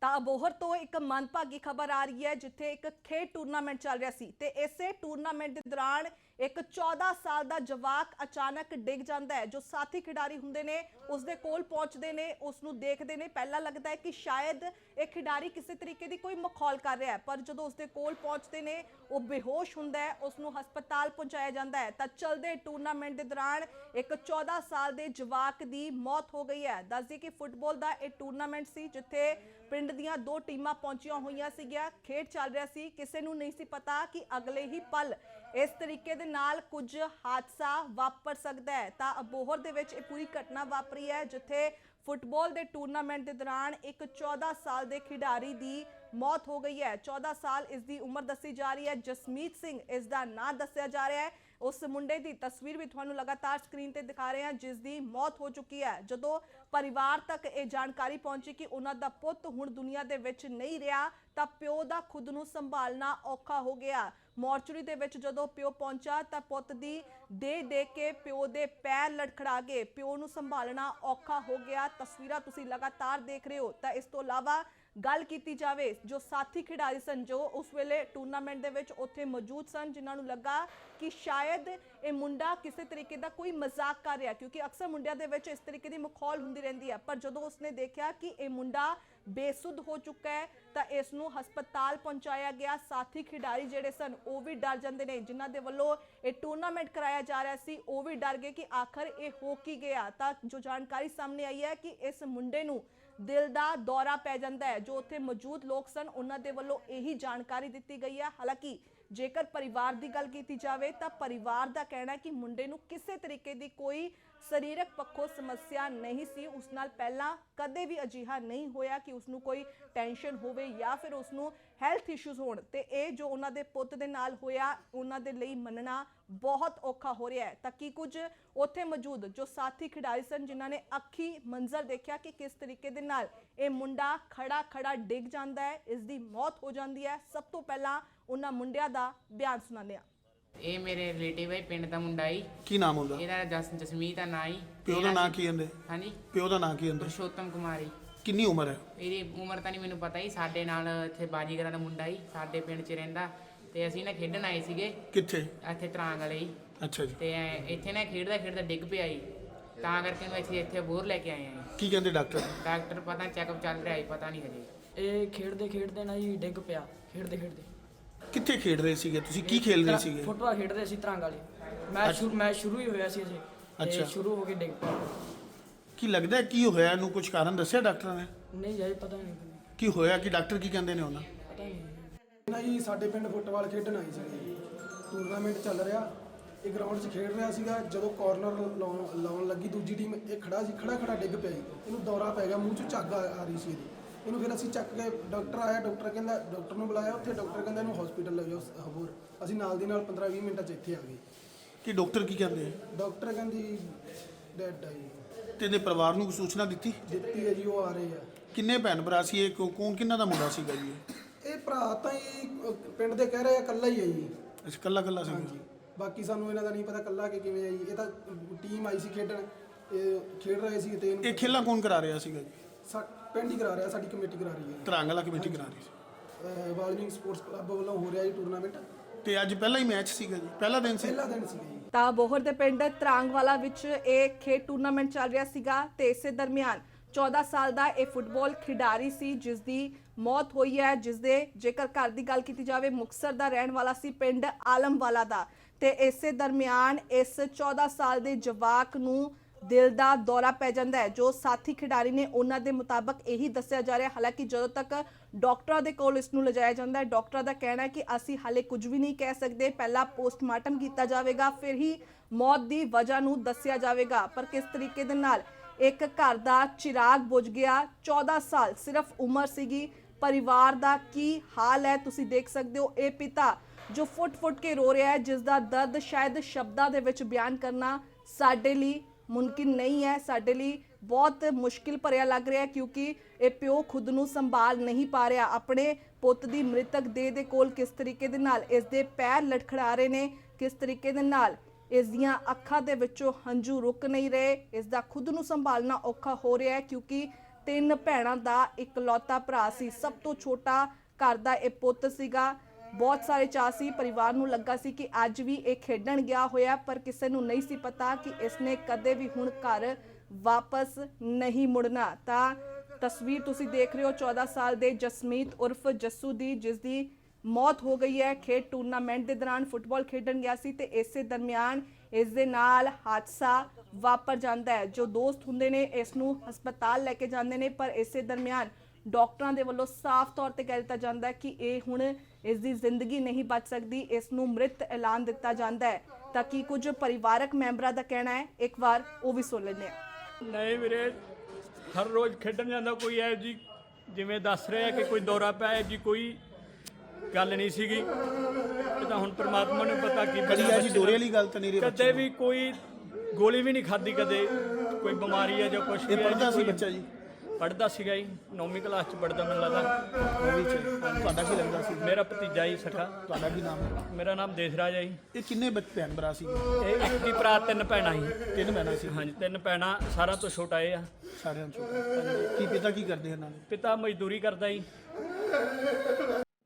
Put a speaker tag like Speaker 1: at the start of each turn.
Speaker 1: ਤਾਂ ਅਬੋਹਰ ਤੋਂ ਇੱਕ ਮੰਦਭਾਗੀ ਖਬਰ ਆ ਰਹੀ ਹੈ ਜਿੱਥੇ ਇੱਕ ਖੇਡ ਟੂਰਨਾਮੈਂਟ ਚੱਲ ਰਿਹਾ ਸੀ ਤੇ ਇਸੇ ਟੂਰਨਾਮੈਂਟ ਦੇ ਦੌਰਾਨ ਇੱਕ 14 ਸਾਲ ਦਾ ਜਵਾਕ ਅਚਾਨਕ ਡਿੱਗ ਜਾਂਦਾ ਹੈ। ਜੋ ਸਾਥੀ ਖਿਡਾਰੀ ਹੁੰਦੇ ਨੇ ਉਸ ਦੇ ਕੋਲ ਪਹੁੰਚਦੇ ਨੇ, ਉਸ ਨੂੰ ਦੇਖਦੇ ਨੇ, ਪਹਿਲਾਂ ਲੱਗਦਾ ਹੈ ਕਿ ਸ਼ਾਇਦ ਇਹ ਖਿਡਾਰੀ ਕਿਸੇ ਤਰੀਕੇ ਦੀ ਕੋਈ ਮਖੌਲ ਕਰ ਰਿਹਾ ਹੈ, ਪਰ ਜਦੋਂ ਉਸ ਦੇ ਕੋਲ ਪਹੁੰਚਦੇ ਨੇ ਉਹ ਬੇਹੋਸ਼ ਹੁੰਦਾ ਹੈ, ਉਸ ਨੂੰ ਹਸਪਤਾਲ ਪਹੁੰਚਾਇਆ ਜਾਂਦਾ ਹੈ। ਤਾਂ ਚਲਦੇ ਟੂਰਨਾਮੈਂਟ ਦੇ ਦੌਰਾਨ ਇੱਕ 14 ਸਾਲ ਦੇ ਜਵਾਕ ਦੀ ਮੌਤ ਹੋ ਗਈ ਹੈ। ਦੱਸਦੀ ਕਿ ਫੁੱਟਬਾਲ ਦਾ ਇਹ ਟੂਰਨਾਮੈਂਟ ਸੀ ਜਿੱਥੇ ਪਿੰਡ ਦੀਆਂ ਦੋ ਟੀਮਾਂ ਪਹੁੰਚੀਆਂ ਹੋਈਆਂ ਸੀਗੀਆਂ, ਖੇਡ ਚੱਲ ਰਿਹਾ ਸੀ। ਕਿਸੇ ਨੂੰ ਨਹੀਂ ਸੀ ਪਤਾ ਕਿ ਅਗਲੇ ਹੀ ਪਲ ਇਸ ਤਰੀਕੇ ਦੇ ਨਾਲ ਕੁਝ ਹਾਦਸਾ ਵਾਪਰ ਸਕਦਾ ਹੈ। ਤਾਂ ਅਬੋਹਰ ਦੇ ਵਿੱਚ ਇਹ ਪੂਰੀ ਘਟਨਾ ਵਾਪਰੀ ਹੈ ਜਿੱਥੇ ਫੁੱਟਬਾਲ ਦੇ ਟੂਰਨਾਮੈਂਟ ਦੇ ਦੌਰਾਨ ਇੱਕ 14 ਸਾਲ ਦੇ ਖਿਡਾਰੀ ਦੀ ਮੌਤ ਹੋ ਗਈ ਹੈ। 14 ਸਾਲ ਇਸ ਦੀ ਉਮਰ ਦੱਸੀ ਜਾ ਰਹੀ ਹੈ। ਜਸਮੀਤ ਸਿੰਘ ਇਸ ਦਾ ਨਾਂ ਦੱਸਿਆ ਜਾ ਰਿਹਾ ਹੈ। ਉਸ ਮੁੰਡੇ ਦੀ ਤਸਵੀਰ ਵੀ ਤੁਹਾਨੂੰ ਲਗਾਤਾਰ ਸਕਰੀਨ ਤੇ ਦਿਖਾ ਰਹੇ ਹਾਂ ਜਿਸ ਦੀ ਮੌਤ ਹੋ ਚੁੱਕੀ ਹੈ। ਜਦੋਂ ਪਰਿਵਾਰ ਤੱਕ ਇਹ ਜਾਣਕਾਰੀ ਪਹੁੰਚੀ ਕਿ ਉਹਨਾਂ ਦਾ ਪੁੱਤ ਹੁਣ ਦੁਨੀਆ ਦੇ ਵਿੱਚ ਨਹੀਂ ਰਿਹਾ ਤਾਂ ਪਿਓ ਦਾ ਖੁਦ ਨੂੰ ਸੰਭਾਲਣਾ ਔਖਾ ਹੋ ਗਿਆ। ਮੋਰਚਰੀ ਦੇ ਵਿੱਚ ਜਦੋਂ ਪਿਓ ਪਹੁੰਚਾ ਤਾਂ ਪੁੱਤ ਦੀ ਦੇਖ ਕੇ ਪਿਓ ਦੇ ਪੈਰ ਲੜਖੜਾ ਗਏ। ਪਿਓ ਨੂੰ ਸੰਭਾਲਣਾ ਔਖਾ ਹੋ ਗਿਆ। ਤਸਵੀਰਾਂ ਤੁਸੀਂ ਲਗਾਤਾਰ ਦੇਖ ਰਹੇ ਹੋ। ਤਾਂ ਇਸ ਤੋਂ ਇਲਾਵਾ ਗੱਲ ਕੀਤੀ ਜਾਵੇ ਜੋ ਸਾਥੀ ਖਿਡਾਰੀ ਸਨ ਜੋ ਉਸ ਵੇਲੇ ਟੂਰਨਾਮੈਂਟ ਦੇ ਵਿੱਚ ਉੱਥੇ ਮੌਜੂਦ ਸਨ, ਜਿਨ੍ਹਾਂ ਨੂੰ ਲੱਗਾ ਕਿ ਸ਼ਾਇਦ ਇਹ ਮੁੰਡਾ ਕਿਸੇ ਤਰੀਕੇ ਦਾ ਕੋਈ ਮਜ਼ਾਕ ਕਰ ਰਿਹਾ, ਕਿਉਂਕਿ ਅਕਸਰ ਮੁੰਡਿਆਂ ਦੇ ਵਿੱਚ ਇਸ ਤਰੀਕੇ ਦੀ ਮਖੌਲ ਹੁੰਦੀ ਰਹਿੰਦੀ ਹੈ। ਪਰ ਜਦੋਂ ਉਸਨੇ ਦੇਖਿਆ ਕਿ ਇਹ ਮੁੰਡਾ ਬੇਸੁੱਧ ਹੋ ਚੁੱਕਾ ਹੈ ਤਾਂ ਇਸ ਨੂੰ ਹਸਪਤਾਲ ਪਹੁੰਚਾਇਆ ਗਿਆ। ਸਾਥੀ ਖਿਡਾਰੀ ਜਿਹੜੇ ਸਨ ਉਹ ਵੀ ਡਰ ਜਾਂਦੇ ਨੇ, ਜਿਨ੍ਹਾਂ ਦੇ ਵੱਲੋਂ ਇਹ ਟੂਰਨਾਮੈਂਟ ਕਰਾਇਆ ਜਾ ਰਿਹਾ ਸੀ ਉਹ ਵੀ ਡਰ ਗਏ ਕਿ ਆਖਰ ਇਹ ਹੋ ਕੀ ਗਿਆ। ਤਾਂ ਜੋ ਜਾਣਕਾਰੀ ਸਾਹਮਣੇ ਆਈ ਹੈ ਕਿ ਇਸ ਮੁੰਡੇ ਨੂੰ ਦਿਲ ਦਾ ਦੌਰਾ ਪੈ ਜਾਂਦਾ ਹੈ। ਜੋ ਉੱਥੇ ਮੌਜੂਦ ਲੋਕ ਸਨ ਉਹਨਾਂ ਦੇ ਵੱਲੋਂ ਇਹੀ ਜਾਣਕਾਰੀ ਦਿੱਤੀ ਗਈ ਹੈ। ਹਾਲਾਂਕਿ ਜੇਕਰ ਪਰਿਵਾਰ ਦੀ ਗੱਲ ਕੀਤੀ ਜਾਵੇ ਤਾਂ ਪਰਿਵਾਰ ਦਾ ਕਹਿਣਾ ਹੈ ਕਿ ਮੁੰਡੇ ਨੂੰ ਕਿਸੇ ਤਰੀਕੇ ਦੀ ਕੋਈ ਸਰੀਰਕ ਪੱਖੋਂ ਸਮੱਸਿਆ ਨਹੀਂ ਸੀ। ਉਸ ਨਾਲ ਪਹਿਲਾਂ ਕਦੇ ਵੀ ਅਜਿਹਾ ਨਹੀਂ ਹੋਇਆ ਕਿ ਉਸ ਨੂੰ ਕੋਈ ਟੈਨਸ਼ਨ ਹੋਵੇ ਜਾਂ ਫਿਰ ਉਸ ਨੂੰ ਹੈਲਥ ਇਸ਼ੂਜ਼ ਹੋਣ। ਤੇ ਇਹ ਜੋ ਉਹਨਾਂ ਦੇ ਪੁੱਤ ਦੇ ਨਾਲ ਹੋਇਆ ਉਹਨਾਂ ਦੇ ਲਈ ਮੰਨਣਾ ਬਹੁਤ ਔਖਾ ਹੋ ਰਿਹਾ ਹੈ। ਤਾਂ ਕੀ ਕੁਝ ਉੱਥੇ ਮੌਜੂਦ ਜੋ ਸਾਥੀ ਖਿਡਾਰੀ ਸਨ ਜਿਨ੍ਹਾਂ ਨੇ ਅੱਖੀ ਮੰਜ਼ਰ ਦੇਖਿਆ ਕਿ ਕਿਸ ਤਰੀਕੇ ਦੇ ਨਾਲ ਇਹ ਮੁੰਡਾ ਖੜਾ ਡਿੱਗ ਜਾਂਦਾ ਹੈ, ਇਸ ਦੀ ਮੌਤ ਹੋ ਜਾਂਦੀ ਹੈ। ਸਭ ਤੋਂ ਪਹਿਲਾਂ ਉਹਨਾਂ ਮੁੰਡਿਆਂ ਦਾ ਬਿਆਨ ਸੁਣਾਉਂਦੇ ਹਾਂ।
Speaker 2: ਇਹ ਮੇਰੇ ਰਿਲੇਟਿਵ ਹੈ, ਪਿੰਡ ਦਾ ਮੁੰਡਾ ਹੀ।
Speaker 3: ਕੀ ਨਾਮ ਹੁੰਦਾ?
Speaker 2: ਇਹਦਾ ਜਸਮੀਤ ਦਾ ਨਾਂ ਹੀ।
Speaker 3: ਪਿਓ ਦਾ ਨਾਂ ਕੀ ਹੁੰਦੇ?
Speaker 2: ਹਾਂਜੀ,
Speaker 3: ਪਿਓ ਦਾ ਨਾਂ ਕੀ ਹੁੰਦਾ?
Speaker 2: ਪੁਰਸ਼ੋਤਮ ਕੁਮਾਰੀ।
Speaker 3: ਕਿੰਨੀ ਉਮਰ ਹੈ?
Speaker 2: ਇਹਦੀ ਉਮਰ ਤਾਂ ਨਹੀਂ ਮੈਨੂੰ ਪਤਾ ਹੀ। ਸਾਡੇ ਨਾਲ ਇੱਥੇ ਬਾਜੀਗਰਾਂ ਦਾ ਮੁੰਡਾ ਹੀ ਸਾਡੇ ਪਿੰਡ 'ਚ ਰਹਿੰਦਾ ਤੇ ਅਸੀਂ ਨਾ ਖੇਡਣ ਆਏ ਸੀਗੇ।
Speaker 3: ਕਿੱਥੇ?
Speaker 2: ਇੱਥੇ ਤਰਾਂਗ ਵਾਲੇ ਹੀ।
Speaker 3: ਅੱਛਾ ਜੀ।
Speaker 2: ਤੇ ਇੱਥੇ ਨਾ ਖੇਡਦਾ ਡਿੱਗ ਪਿਆ ਜੀ, ਤਾਂ ਕਰਕੇ ਨੂੰ ਅਸੀਂ ਇੱਥੇ ਬੋਰ ਲੈ ਕੇ ਆਏ ਹਾਂ।
Speaker 3: ਕੀ ਕਹਿੰਦੇ ਡਾਕਟਰ?
Speaker 2: ਡਾਕਟਰ ਪਤਾ ਚੈੱਕਅਪ ਚੱਲ ਰਿਹਾ ਜੀ, ਪਤਾ ਨਹੀਂ ਹਜੇ।
Speaker 4: ਇਹ ਖੇਡਦੇ ਨਾ ਜੀ ਡਿੱਗ ਪਿਆ। ਖੇਡਦੇ
Speaker 3: ਕਿੱਥੇ ਖੇਡ ਰਹੇ ਸੀਗੇ ਤੁਸੀਂ? ਕੀ ਖੇਡ ਰਹੇ ਸੀਗੇ?
Speaker 4: ਫੁੱਟਬਾਲ ਖੇਡਦੇ ਸੀ ਤਰਾਂਗ ਵਾਲੇ। ਮੈਚ ਸ਼ੁਰੂ ਹੀ ਹੋਇਆ ਸੀ ਅਜੇ।
Speaker 3: ਅੱਛਾ।
Speaker 4: ਸ਼ੁਰੂ ਹੋ ਕੇ ਡਿੱਗ ਪਿਆ।
Speaker 3: ਕੀ ਲੱਗਦਾ ਕੀ ਹੋਇਆ ਇਹਨੂੰ? ਕੁਝ ਕਾਰਨ ਦੱਸਿਆ ਡਾਕਟਰਾਂ ਨੇ?
Speaker 4: ਨਹੀਂ ਜੀ ਪਤਾ ਨਹੀਂ।
Speaker 3: ਕੀ ਹੋਇਆ? ਕਿ ਡਾਕਟਰ ਕੀ ਕਹਿੰਦੇ ਨੇ ਉਹਨਾਂ?
Speaker 4: ਪਤਾ ਨਹੀਂ।
Speaker 5: ਨਾ ਜੀ ਸਾਡੇ ਪਿੰਡ ਫੁੱਟਬਾਲ ਖੇਡਣ ਆਈ ਸੀ। ਟੂਰਨਾਮੈਂਟ ਚੱਲ ਰਿਹਾ, ਇਹ ਗਰਾਊਂਡ 'ਚ ਖੇਡ ਰਿਹਾ ਸੀਗਾ। ਜਦੋਂ ਕਾਰਨਰ ਲਾਉਣ ਲੱਗੀ ਦੂਜੀ ਟੀਮ, ਇਹ ਖੜਾ ਡਿੱਗ ਪਿਆ ਜੀ। ਇਹਨੂੰ ਦੌਰਾ ਪੈ ਗਿਆ, ਮੂੰਹ 'ਚ ਝੱਗ ਆ ਰਹੀ ਸੀ ਇਹਦੀ। ਇਹਨੂੰ ਫਿਰ ਅਸੀਂ ਚੱਕ ਕੇ ਡਾਕਟਰ ਆਇਆ, ਡਾਕਟਰ ਨੂੰ ਬੁਲਾਇਆ। ਉੱਥੇ ਡਾਕਟਰ ਕਹਿੰਦਾ ਇਹਨੂੰ ਹਸਪੀਟਲ ਲੈ ਜਾਓ ਹੋਰ। ਅਸੀਂ ਨਾਲ ਦੀ ਨਾਲ 15-20 ਮਿੰਟਾਂ 'ਚ ਇੱਥੇ ਆ ਗਏ।
Speaker 3: ਕਿ ਡਾਕਟਰ ਕੀ ਕਹਿੰਦੇ?
Speaker 5: ਡਾਕਟਰ ਕਹਿੰਦੀ ਡੈਡ ਆ ਜੀ।
Speaker 3: ਤੇ ਇਹਦੇ ਪਰਿਵਾਰ ਨੂੰ ਸੂਚਨਾ ਦਿੱਤੀ
Speaker 5: ਹੈ ਜੀ, ਉਹ ਆ ਰਹੇ ਆ।
Speaker 3: ਕਿੰਨੇ ਭੈਣ ਭਰਾ ਸੀ ਇਹ? ਕੌਣ ਕਿੰਨਾ ਦਾ ਮੁੰਡਾ ਸੀਗਾ ਜੀ?
Speaker 5: ਇਹ ਭਰਾ ਤਾਂ ਹੀ ਪਿੰਡ ਦੇ ਕਹਿ ਰਹੇ ਆ, ਇਕੱਲਾ ਹੀ ਹੈ ਜੀ।
Speaker 3: ਅੱਛਾ, ਕੱਲਾ ਸੀ।
Speaker 5: ਹਾਂਜੀ, ਬਾਕੀ ਸਾਨੂੰ ਇਹਨਾਂ ਦਾ ਨਹੀਂ ਪਤਾ ਇਕੱਲਾ ਕਿ ਕਿਵੇਂ ਆ ਜੀ। ਇਹ ਤਾਂ ਟੀਮ ਆਈ ਸੀ ਖੇਡਣ, ਇਹ ਖੇਡ ਰਹੇ ਸੀ। ਤੇ
Speaker 3: ਇਹ ਖੇਲਾਂ ਕੌਣ ਕਰਾ ਰਿਹਾ ਸੀਗਾ ਜੀ?
Speaker 5: ਪਿੰਡ ਹੀ ਕਰਾ ਰਿਹਾ, ਸਾਡੀ ਕਮੇਟੀ ਕਰਾ ਰਹੀ ਹੈ।
Speaker 3: ਤਰਾਂਗਲਾ ਕਮੇਟੀ ਕਰਾ ਰਹੀ ਸੀ।
Speaker 5: ਵਾਲਮੀਕ ਸਪੋਰਟਸ ਕਲੱਬ ਵੱਲੋਂ ਹੋ ਰਿਹਾ ਜੀ ਟੂਰਨਾਮੈਂਟ।
Speaker 3: ਤੇ ਅੱਜ ਪਹਿਲਾ ਹੀ ਮੈਚ ਸੀਗਾ ਜੀ? ਪਹਿਲਾ ਦਿਨ ਸੀ?
Speaker 5: ਪਹਿਲਾ ਦਿਨ ਸੀਗਾ ਜੀ।
Speaker 1: ਤਾਂ ਅਬੋਹਰ ਦੇ ਪਿੰਡ ਤਰਾਂਗਵਾਲਾ ਵਿੱਚ ਇਹ ਖੇਡ ਟੂਰਨਾਮੈਂਟ ਚੱਲ ਰਿਹਾ ਸੀਗਾ ਤੇ ਇਸੇ ਦਰਮਿਆਨ 14 ਸਾਲ ਦਾ ਇਹ ਫੁੱਟਬਾਲ ਖਿਡਾਰੀ ਸੀ ਜਿਸ ਦੀ ਮੌਤ ਹੋਈ ਹੈ। ਜਿਸ ਦੇ ਜੇਕਰ ਘਰ ਦੀ ਗੱਲ ਕੀਤੀ ਜਾਵੇ ਮੁਕਤਸਰ ਦਾ ਰਹਿਣ ਵਾਲਾ ਸੀ, ਪਿੰਡ ਆਲਮਵਾਲਾ ਦਾ। ਤੇ ਇਸੇ ਦਰਮਿਆਨ ਇਸ 14 ਸਾਲ ਦੇ ਜਵਾਕ ਨੂੰ ਦਿਲ ਦਾ ਦੌਰਾ ਪੈ ਜਾਂਦਾ ਹੈ। ਜੋ ਸਾਥੀ ਖਿਡਾਰੀ ਨੇ ਉਹਨਾਂ ਦੇ ਮੁਤਾਬਕ ਇਹੀ ਦੱਸਿਆ ਜਾ ਰਿਹਾ। ਹਾਲਾਂਕਿ ਜਦੋਂ ਤੱਕ ਡਾਕਟਰਾਂ ਦੇ ਕੋਲ ਇਸ ਨੂੰ ਲਿਜਾਇਆ ਜਾਂਦਾ ਹੈ, ਡਾਕਟਰਾਂ ਦਾ ਕਹਿਣਾ ਹੈ ਕਿ ਅਸੀਂ ਹਾਲੇ ਕੁਝ ਵੀ ਨਹੀਂ ਕਹਿ ਸਕਦੇ, ਪਹਿਲਾਂ ਪੋਸਟਮਾਰਟਮ ਕੀਤਾ ਜਾਵੇਗਾ, ਫਿਰ ਹੀ ਮੌਤ ਦੀ ਵਜ੍ਹਾ ਨੂੰ ਦੱਸਿਆ ਜਾਵੇਗਾ। ਪਰ ਕਿਸ ਤਰੀਕੇ ਦੇ ਨਾਲ ਇੱਕ ਘਰ ਦਾ ਚਿਰਾਗ ਬੁਝ ਗਿਆ। 14 ਸਾਲ ਸਿਰਫ ਉਮਰ ਸੀਗੀ। ਪਰਿਵਾਰ ਦਾ ਕੀ ਹਾਲ ਹੈ ਤੁਸੀਂ ਦੇਖ ਸਕਦੇ ਹੋ। ਇਹ ਪਿਤਾ ਜੋ ਫੁੱਟ ਕੇ ਰੋ ਰਿਹਾ ਹੈ, ਜਿਸ ਦਾ ਦਰਦ ਸ਼ਾਇਦ ਸ਼ਬਦਾਂ ਦੇ ਵਿੱਚ ਬਿਆਨ ਕਰਨਾ ਸਾਡੇ ਲਈ ਮੁਮਕਿਨ ਨਹੀਂ ਹੈ। ਸਾਡੇ ਲਈ ਬਹੁਤ ਮੁਸ਼ਕਿਲ ਭਰਿਆ ਲੱਗ ਰਿਹਾ ਕਿਉਂਕਿ ਇਹ ਪਿਓ ਖੁਦ ਨੂੰ ਸੰਭਾਲ ਨਹੀਂ ਪਾ ਰਿਹਾ। ਆਪਣੇ ਪੁੱਤ ਦੀ ਮ੍ਰਿਤਕ ਦੇਹ ਦੇ ਕੋਲ ਕਿਸ ਤਰੀਕੇ ਦੇ ਨਾਲ ਇਸ ਦੇ ਪੈਰ ਲਟਖੜਾ ਰਹੇ ਨੇ, ਕਿਸ ਤਰੀਕੇ ਦੇ ਨਾਲ ਇਸ ਦੀਆਂ ਅੱਖਾਂ ਦੇ ਵਿੱਚੋਂ ਹੰਝੂ ਰੁਕ ਨਹੀਂ ਰਹੇ। ਇਸ ਦਾ ਖੁਦ ਨੂੰ ਸੰਭਾਲਣਾ ਔਖਾ ਹੋ ਰਿਹਾ ਹੈ ਕਿਉਂਕਿ 3 ਭੈਣਾਂ ਦਾ ਇਕਲੌਤਾ ਭਰਾ ਸੀ। ਸਭ ਤੋਂ ਛੋਟਾ ਘਰ ਦਾ ਇਹ ਪੁੱਤ ਸੀਗਾ। ਬਹੁਤ ਸਾਰੇ ਚਾਅ ਸੀ, ਪਰਿਵਾਰ ਨੂੰ ਲੱਗਾ ਸੀ ਕਿ ਅੱਜ ਵੀ ਇਹ ਖੇਡਣ ਗਿਆ ਹੋਇਆ, ਪਰ ਕਿਸੇ ਨੂੰ ਨਹੀਂ ਸੀ ਪਤਾ ਕਿ ਇਸਨੇ ਕਦੇ ਵੀ ਹੁਣ ਘਰ ਵਾਪਸ ਨਹੀਂ ਮੁੜਨਾ। ਤਾਂ ਤਸਵੀਰ ਤੁਸੀਂ ਦੇਖ ਰਹੇ ਹੋ 14 ਸਾਲ ਦੇ ਜਸਮੀਤ ਉਰਫ ਜੱਸੂ ਦੀ, ਜਿਸ ਦੀ ਮੌਤ ਹੋ ਗਈ ਹੈ। ਖੇਡ ਟੂਰਨਾਮੈਂਟ ਦੇ ਦੌਰਾਨ ਫੁੱਟਬਾਲ ਖੇਡਣ ਗਿਆ ਸੀ ਤੇ ਇਸੇ ਦਰਮਿਆਨ ਇਸ ਦੇ ਨਾਲ ਹਾਦਸਾ ਵਾਪਰ ਜਾਂਦਾ ਹੈ। ਜੋ ਦੋਸਤ ਹੁੰਦੇ ਨੇ ਇਸ ਨੂੰ ਹਸਪਤਾਲ ਲੈ ਕੇ ਜਾਂਦੇ ਨੇ, ਪਰ ਇਸੇ ਦਰਮਿਆਨ ਡਾਕਟਰਾਂ ਦੇ ਵੱਲੋਂ ਸਾਫ਼ ਤੌਰ ਤੇ ਕਹਿ ਦਿੱਤਾ ਜਾਂਦਾ ਹੈ ਕਿ ਇਹ ਹੁਣ ਇਸ ਦੀ ਜ਼ਿੰਦਗੀ ਨਹੀਂ ਬਚ ਸਕਦੀ, ਇਸ ਨੂੰ ਮ੍ਰਿਤ ਐਲਾਨ ਦਿੱਤਾ ਜਾਂਦਾ ਹੈ। ਤਾਂ ਕੀ ਕੁਝ ਪਰਿਵਾਰਕ ਮੈਂਬਰਾਂ ਦਾ ਕਹਿਣਾ ਹੈ, ਇੱਕ ਵਾਰ ਉਹ ਵੀ ਸੁਣ ਲੈਂਦੇ ਹਾਂ।
Speaker 6: ਨਹੀਂ ਵੀਰੇ, ਹਰ ਰੋਜ਼ ਖੇਡਣ ਜਾਂਦਾ। ਕੋਈ ਐ ਜੀ ਜਿਵੇਂ ਦੱਸ ਰਿਹਾ ਕਿ ਕੋਈ ਦੌਰਾ ਪਿਆ ਜੀ, ਕੋਈ ਗੱਲ ਨਹੀਂ ਸੀਗੀ। ਇਹ ਤਾਂ ਹੁਣ ਪ੍ਰਮਾਤਮਾ ਨੂੰ ਪਤਾ ਕੀ
Speaker 3: ਕਦੀ ਐਸੀ ਦੌਰੇ ਵਾਲੀ ਗੱਲ ਤਾਂ ਨਹੀਂ ਰਹੀ
Speaker 6: ਕਦੇ ਵੀ ਕੋਈ ਗੋਲੀ ਵੀ ਨਹੀਂ ਖਾਧੀ, ਕਦੇ ਕੋਈ ਬਿਮਾਰੀ ਹੈ ਜਾਂ ਕੁਝ
Speaker 3: ਇਹ ਪੜ੍ਹਦਾ ਸੀ ਬੱਚਾ ਜੀ?
Speaker 6: ਪੜ੍ਹਦਾ ਸੀਗਾ ਜੀ, 9ਵੀਂ ਕਲਾਸ ਚ ਪੜ੍ਹਦਾ ਮੈਨੂੰ ਲੱਗਦਾ।
Speaker 3: ਤੁਹਾਡਾ ਕੀ ਲੱਗਦਾ ਸੀ?
Speaker 6: ਮੇਰਾ ਭਤੀਜਾ ਜੀ ਸਖਾ।
Speaker 3: ਤੁਹਾਡਾ ਕੀ ਨਾਮ ਹੈ?
Speaker 6: ਮੇਰਾ ਨਾਮ ਦੇਸਰਾਜ ਹੈ ਜੀ।
Speaker 3: ਇਹ ਕਿੰਨੇ ਭੈਣ ਭਰਾ ਸੀ?
Speaker 6: ਇਹ ਇੱਕ ਹੀ ਭਰਾ, 3 ਭੈਣਾਂ ਸੀ।
Speaker 3: 3 ਭੈਣਾਂ ਸੀ?
Speaker 6: ਹਾਂਜੀ, 3 ਭੈਣਾਂ, ਸਾਰਿਆਂ ਤੋਂ ਛੋਟਾ ਇਹ ਆ।
Speaker 3: ਸਾਰਿਆਂ ਚੋਂ ਕੀ ਪਿਤਾ ਕੀ ਕਰਦੇ ਇਹਨਾਂ ਦੇ?
Speaker 6: ਪਿਤਾ ਮਜ਼ਦੂਰੀ ਕਰਦਾ ਜੀ।